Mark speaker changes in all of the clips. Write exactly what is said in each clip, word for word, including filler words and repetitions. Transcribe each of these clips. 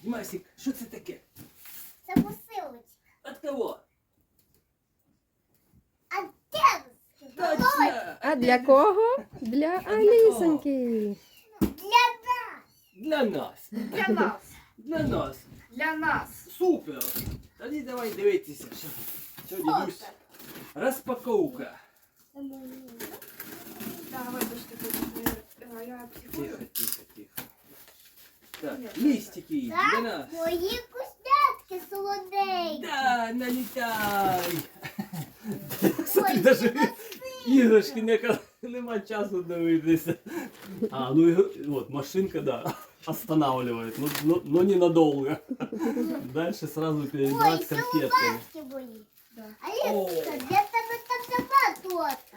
Speaker 1: Дімасик, що це таке?
Speaker 2: Це посилочка.
Speaker 1: От кого?
Speaker 2: А де?
Speaker 1: Точно!
Speaker 3: А для кого? Для Алісоньки.
Speaker 2: Для нас.
Speaker 1: Для нас.
Speaker 4: Для нас.
Speaker 1: Для нас.
Speaker 4: Для нас.
Speaker 1: Супер! Тоді давай дивитися. Що, що дідусь? Розпаковка.
Speaker 4: Да, вибачте, будь я психую.
Speaker 1: Тихо, тихо, тихо. Так, листики для нас.
Speaker 2: Мої вкусняшки солоденькі.
Speaker 1: Да, налітай! Смотри, даже іграшки не, нема часу дивитися. А, ну і от, машинка, да, останавливает, но, но, но ненадолго. Дальше сразу
Speaker 2: Ой,
Speaker 1: перебрать конфетками.
Speaker 2: солоденькі мої.
Speaker 4: Да.
Speaker 2: Аліска, де тебе там нема торта?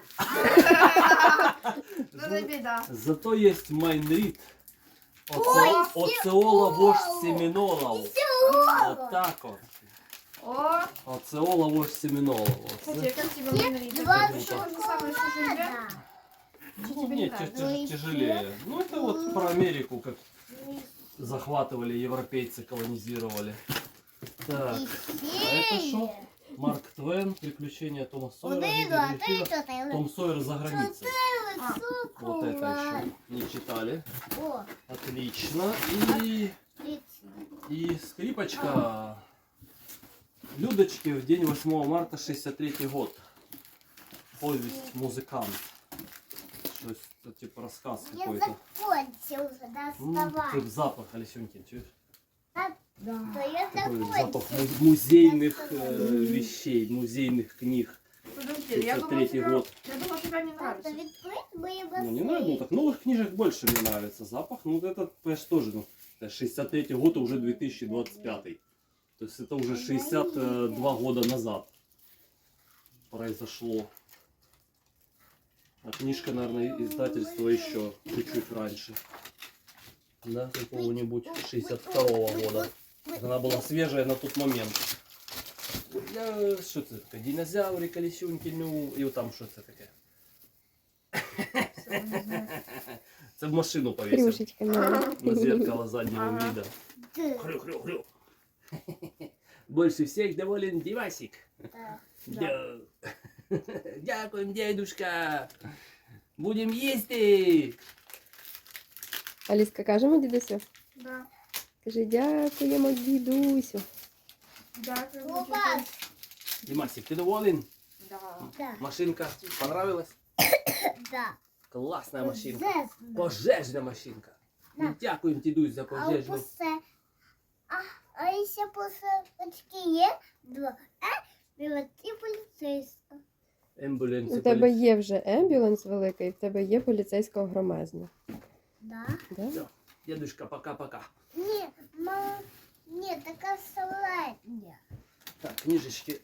Speaker 4: Ну не біда.
Speaker 1: Зато есть майнрит.
Speaker 2: Ой,
Speaker 1: Оцеола вождь семенолов.
Speaker 2: Сьогодні.
Speaker 1: Вот так вот.
Speaker 4: О,
Speaker 1: Оцеола вождь семенолов.
Speaker 4: кстати, как тебе мандарин?
Speaker 2: Два
Speaker 4: Это то же самое, что же
Speaker 2: шоколада.
Speaker 4: Что
Speaker 1: Ну,
Speaker 4: тебе не
Speaker 1: нет,
Speaker 4: нравится?
Speaker 1: тя- тя- тяжелее. Ну, это вот про Америку, как захватывали, европейцы колонизировали. Так, а это что? Марк Твен, приключения Тома Сойера,
Speaker 2: Один,
Speaker 1: Гидры
Speaker 2: а ти
Speaker 1: Гриффина,
Speaker 2: що ти?
Speaker 1: Том Сойер за границей.
Speaker 4: А,
Speaker 1: Вот это еще не читали.
Speaker 2: О,
Speaker 1: Отлично. И,
Speaker 2: отлично.
Speaker 1: и скрипочка. Людочки в день восьмого марта шестьдесят третий год. Повесть «Музыкант». Что-то типа рассказ
Speaker 2: Я
Speaker 1: какой-то.
Speaker 2: закончил уже,
Speaker 1: М,
Speaker 2: доставай.
Speaker 1: Тут запах, Алисюнькин, чуешь?
Speaker 4: да.
Speaker 2: То я
Speaker 1: Такой запах
Speaker 2: закончил.
Speaker 1: му- музейных э, вещей, музейных книг.
Speaker 4: Подожди, я думала,
Speaker 1: тридцать третий
Speaker 4: тебе,
Speaker 1: год.
Speaker 4: я думала, тебе не
Speaker 2: Папа,
Speaker 4: нравится.
Speaker 2: відкрить мої
Speaker 1: Ну, не
Speaker 2: басейни.
Speaker 1: нравится, ну так новых книжек больше мне нравится запах. Ну вот этот, конечно, тоже, ну, это шестьдесят третий год, а уже две тысячи двадцать пятый. То есть это уже шестьдесят два года назад произошло. А книжка, наверное, издательство еще чуть-чуть раньше. Да, какого-нибудь шестьдесят второго года. Она была свежая на тот момент. Я, что это такое? Динозавры, колесюньки, ну, и вот там что это такое?
Speaker 4: Всё, не знаю.
Speaker 1: Це в машину повесил.
Speaker 3: Крюшечка мила.
Speaker 1: На зеркало заднего
Speaker 4: Ага.
Speaker 1: вида.
Speaker 2: Ти.
Speaker 1: Хрю-хрю-хрю. Больше всех доволен Дивасик.
Speaker 2: Так.
Speaker 1: Да. Дякуем, дедушка. Будем їсти.
Speaker 3: Аліска, кажемо дідусю?
Speaker 4: Да.
Speaker 3: Кажи, дякуємо дідусю.
Speaker 4: Дякую.
Speaker 2: Опа.
Speaker 4: дуже.
Speaker 1: Димасик, ты доволен?
Speaker 4: Да.
Speaker 2: Да.
Speaker 1: Машинка понравилась?
Speaker 2: Да.
Speaker 1: Классная машинка.
Speaker 2: Зезна.
Speaker 1: Пожежна машинка.
Speaker 2: Да.
Speaker 1: Дякуємо, дідусь, за
Speaker 2: А
Speaker 1: пожежну.
Speaker 2: усе. А, а ще посилочки є два. Е, білет і поліцейська.
Speaker 1: Ембулянці.
Speaker 3: У тебе є вже ембюленс великий, в тебе є поліцейського громезна.
Speaker 2: Да?
Speaker 3: Да?
Speaker 1: Все, дедушка, пока-пока.
Speaker 2: Ні, мама, ні, така середня.
Speaker 1: Так, книжечки